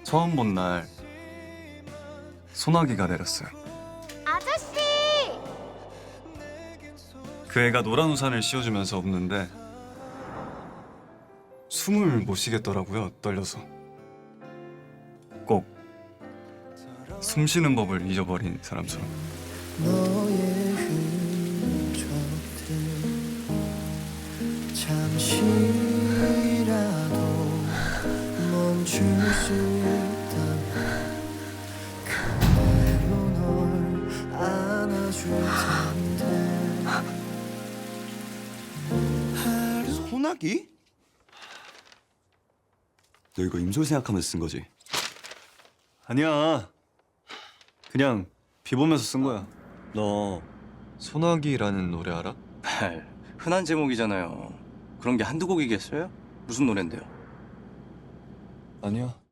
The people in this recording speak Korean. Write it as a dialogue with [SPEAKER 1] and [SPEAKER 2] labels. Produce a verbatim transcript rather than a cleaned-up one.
[SPEAKER 1] 처음 본 날 소나기가 내렸어요.
[SPEAKER 2] 아저씨!
[SPEAKER 1] 그 애가 노란 우산을 씌워주면서 웃는데 숨을 못 쉬겠더라고요, 떨려서. 꼭 숨 쉬는 법을 잊어버린 사람처럼.
[SPEAKER 3] 너의 흔적들 잠시라도 멈출 수 있다면 그대로 널 안아줄 텐데.
[SPEAKER 4] 소나기? 너 이거 임솔 생각하면서 쓴 거지?
[SPEAKER 1] 아니야. 그냥 비 보면서 쓴 거야.
[SPEAKER 5] 너 소나기라는 노래 알아?
[SPEAKER 6] 흔한 제목이잖아요. 그런 게 한두 곡이겠어요? 무슨 노랜데요?
[SPEAKER 5] 아니야.